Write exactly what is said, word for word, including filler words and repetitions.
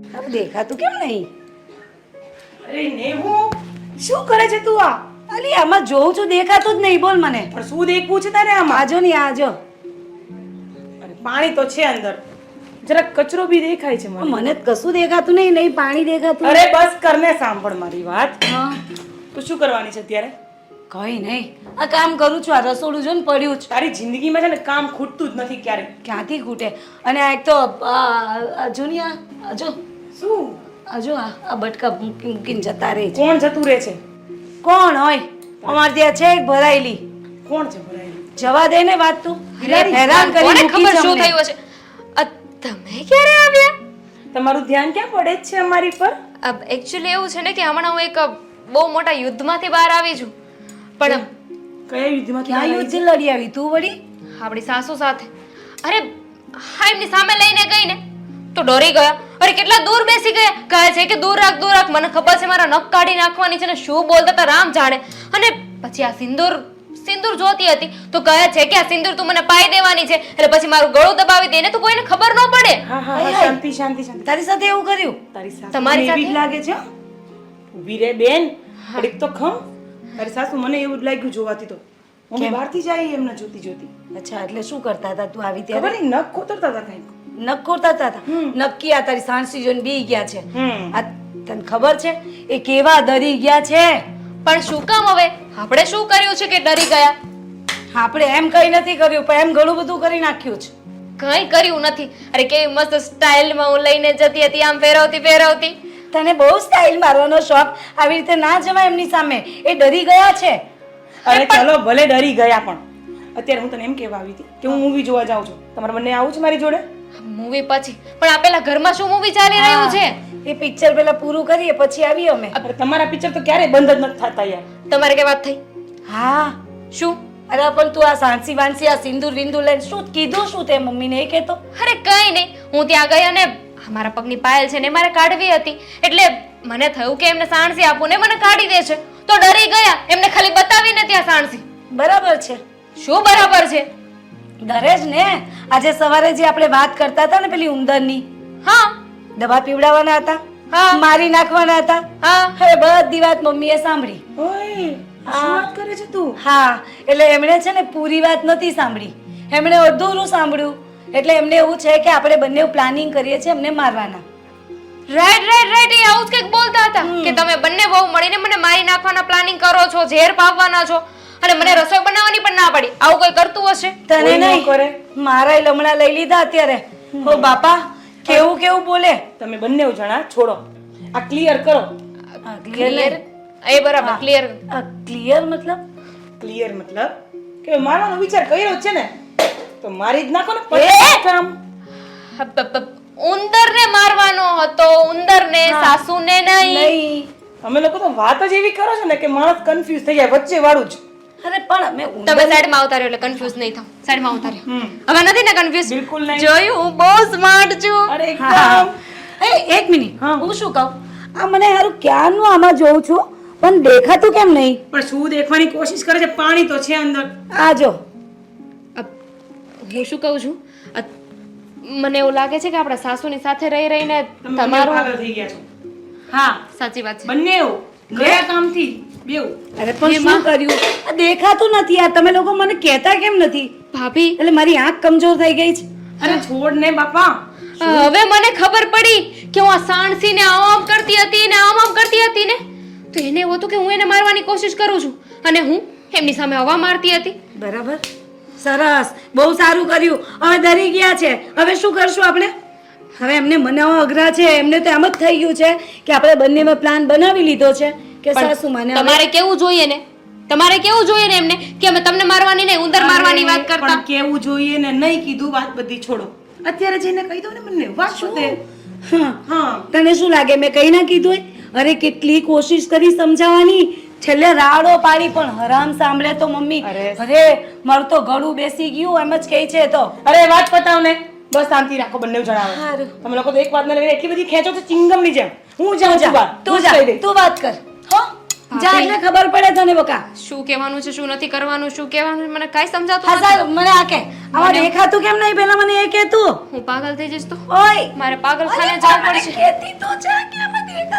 હવે દેખાતું કેમ નહીં? અરે નેહુ શું કરે છે તું આ? અલી આમાં જોઉં છું દેખાતું જ નહીં. બોલ મને. પણ શું દેખવું છે તારે આમાં? આજો ને આજો. અરે પાણી તો છે અંદર, જરાક કચરો બી દેખાય છે મને. મને જ કશું દેખાતું નહીં. નહીં પાણી દેખાતું. અરે બસ કરને, સાંભળ મારી વાત. હા તું શું કરવાની છે અત્યારે? કઈ નહીં, આ કામ કરું છું. આ રસોડું જો ને પડ્યું છે. તારી જિંદગીમાં છે ને કામ ખૂટતું જ નથી ક્યારે. ક્યાંથી ખૂટે? અને આ એક તો હજુ ની આ હજુ શું હજુ આ આ બટકા મૂકી મૂકીને જતા રહે છે. કોણ જતું રહે છે? કોણ હોય? અમારે ત્યાં છે એક ભરાયેલી. કોણ છે ભરાયેલી? જવા દે ને વાત તું. બિલાડી, હેરાન કરી કોને મૂકી ખબર છે શું અમને. થયું હશે? અ, તમે ક્યારે આવ્યા? તમારું ધ્યાન ક્યાં પડે જ છે અમારી પર? એકચ્યુઅલી એવું છે ને કે હમણાં હું એક અ, બહુ મોટા યુદ્ધમાંથી બહાર આવી છું. પણ કયા યુદ્ધમાં ક્યાં યુદ્ધ લડી આવી તું વળી? આપણી સાસુ સાથે, અરે હા, એમની સામે લઈને ગઈ ને તો ડરી ગયા. અરે કેટલા દૂર બેસી ગયા. કહે છે કે દૂર રાખ, દૂર રાખ. મને ખબર છે મારા નખ કાઢી નાખવાની છે ને શું બોલતા હતા રામ જાણે. અને પછી આ સિંદૂર સિંદૂર જોતી હતી તો કહે છે કે આ સિંદૂર તું મને પાઈ દેવાની છે. એટલે પછી મારું ગળું દબાવી દે ને તો કોઈને ખબર ન પડે. હા હા હા, શાંતિ શાંતિ શાંતિ. તારી સાથે એવું કર્યું? તારી સાસુ તમારી મને એવી જ સાથે? લાગે છે હો. ઊભી રે બેન, ઘડીક તો ખમ. તારી સાસુ મને એવું જ લાગ્યું જોવાથી તો. મમ્મી બહારથી જાય એમને જોતી જોતી. અચ્છા, એટલે શું કરતા હતા તું આવી ખબર ત્યારે? નહીં નખ કોતરતા હતા કંઈક. નખ ખોરતા હતા. નક્કી આ તારી સાણસી જોઈને બી ગયા છે. હમ આ તને ખબર છે એ કેવા ડરી ગયા છે? પણ શું કામ હવે? આપણે શું કર્યું છે કે ડરી ગયા? આપણે એમ કઈ નથી કર્યું, પણ એમ ઘણું બધું કરી નાખ્યું છે. કંઈ કર્યું નથી. અરે કેવી મસ્ત સ્ટાઇલમાં હું લઈને જતી હતી, આમ ફેરવતી ફેરવતી. તને બહુ સ્ટાઇલ મારવાનો શોખ. આવી રીતે ના જવાય એમની સામે. એ ડરી ગયા છે. અરે ચલો ભલે ડરી ગયા, પણ અત્યારે હું તને એમ કહેવા આવી હતી કે હું મૂવી જોવા જાઉં છું. તમારે બંને આવું છે મારી જોડે? મૂવી પછી પણ આ પેલા ઘરમાં શું મૂવી ચાલી રહ્યું છે? એ પિક્ચર પેલા પૂરું કરીએ પછી આવીએ અમે. અરે તમારા પિક્ચર તો ક્યારેય બંધ જ નથી થતા યાર. તમારે કે વાત થઈ? હા શું? અરે પણ તું આ સાણસી વાણસી આ સિંદૂર વિંદૂર લઈને શું કીધું? શું તે મમ્મીને એ કહેતો? અરે કઈ નહીં, હું ત્યાં ગઈ અને મારા પગની પાયલ છે ને મારે કાઢવી હતી. એટલે મને થયું કે એમને સાણસી આપું ને મને કાઢી દે છે તો ડરી ગયા. એમને ખાલી બતાવીને ત્યાં સાણસી. બરાબર છે. શું બરાબર છે? ડરે જ ને. આજે સવારે જે આપણે વાત કરતા હતા ને પેલી ઉંદરની, હા દવા પીવડાવવાના હતા, હા મારી નાખવાના હતા. હા હવે બધી વાત મમ્મીએ સાંભળી. ઓય શું વાત કરે છે તું? હા, એટલે એમણે છે ને પૂરી વાત નથી સાંભળી, એમણે અડધું સાંભળ્યું. એટલે એમને એવું છે કે આપણે બંને પ્લાનિંગ કરીએ છીએ એમને મારવાના. રાઈટ રાઈટ રાઈટ એ આવું જ કંઈક બોલતા હતા કે તમે બંને બહુ મળીને મને મારી નાખવાના પ્લાનિંગ કરો છો, ઝેર પાવવાના છો અને મને રસોઈ બનાવવાની પણ ના પડી. આવું કોઈ કરતું હશે? તને કોઈ ન નહીં કરે. મારા લમણા લઈ લીધા અત્યારે. ઓ બાપા, કેવું કેવું બોલે. તમે બંને જણા છોડો, આ ક્લિયર કરો. ક્લિયર? એ બરાબર ક્લિયર. ક્લિયર મતલબ? ક્લિયર મતલબ કે મારવાનો વિચાર કર્યો જ છે ને તો મારી જ નાખો ને પછી કામ. ઉંદરને મારવાનો હતો, ઉંદરને, સાસુને નહીં. નહીં. અમે લોકો તો વાત જ એવી કરો છો ને કે માણસ કન્ફ્યુઝ થઈ જાય વચ્ચે વાળું જ. અરે પણ અમે તમે સાઈડમાં આવતા રહ્યો એટલે કન્ફ્યુઝ નહીં થાવ. સાઈડમાં આવતા રહ્યો. હવે નથી ને કન્ફ્યુઝ? બિલકુલ નહીં. જોયું, હું બહુ સ્માર્ટ છું. અરે એકદમ. એ એક મિનિટ, હું શું કહું, આ મને હારું ક્યારનું આમાં જોઉં છું પણ દેખાતું કેમ નહીં? પણ શું દેખવાની કોશિશ કરે છે? પાણી તો છે અંદર. આ જો. હું શું કહું છું, અ, મને એવું લાગે છે કે આપણા સાસુની સાથે રહી રહીને તમે બંને તમારું પાગલ થઈ ગયા છો. હા સાચી વાત છે. બંને એવું ગયા કામથી બેવ. અરે પણ શું કર્યું? આ દેખાતું નથી. આ તમે લોકો મને કહેતા કેમ નથી? ભાભી એટલે મારી આંખ કમજોર થઈ ગઈ છે. અરે છોડ ને બાપા. હવે મને ખબર પડી કે હું આ સાણસીને આમ આમ કરતી હતી ને આમ આમ કરતી હતી ને તો એને એવું હતું કે હું એને મારવાની કોશિશ કરું છું અને હું એમની સામે હવા મારતી હતી. બરાબર, સરસ, બહુ સારું કર્યું. હવે ડરી ગયા છે. હવે શું કરશું આપણે? હવે એમને મનાવવા અઘરા છે. એમને તો એમ જ થઈ ગયું છે કે આપણે બંનેમાં પ્લાન બનાવી લીધો છે કે સાસુ માને હવે- તમારે કેવું જોઈએ ને તમારે કેવું જોઈએ ને એમને કે અમે તમને મારવાની નહીં ઉંદર મારવાની વાત કરતા. પણ કેવું જોઈએ ને નહીં કીધું વાત બધી છોડો. અત્યારે જઈને કહી દો ને બંને વાત શું તે. હા, હા તને શું લાગે મેં કઈ ના કીધું હોય? અરે કેટલી કોશિશ કરી સમજાવવાની, છેલ્લે રાડો પાડી પણ હરામ સાંભળે તો મમ્મી. અરે. અરે મારું તો ગળું બેસી ગયું એમ જ કહે છે. તો અરે વાત પતાવ ને, બસ શાંતિ રાખો બંને જણાવે. હારું. તમે લોકો તો એક વાત ને લઈને એટલી બધી ખેંચો છો ચિંગમ ની જેમ. હું જાઉં છું બહાર. તું હું જ જા, કહી દઈશ. તું વાત કર. હો, જા એટલે ખબર પડે તને બકા. શું કહેવાનું છે શું નથી કરવાનું શું કહેવાનું છે, મને કાંઈ સમજાતું હા નથી. સારું, મને આ કે આમાં દેખાતું કેમ નહીં? પેલા મને એ કે તું હું પાગલ થઈ જઈશ તો ઓય મારે પાગલખાને અરે જવું પણ પડશે કહેતી તો છે કે આમાં દેખાતું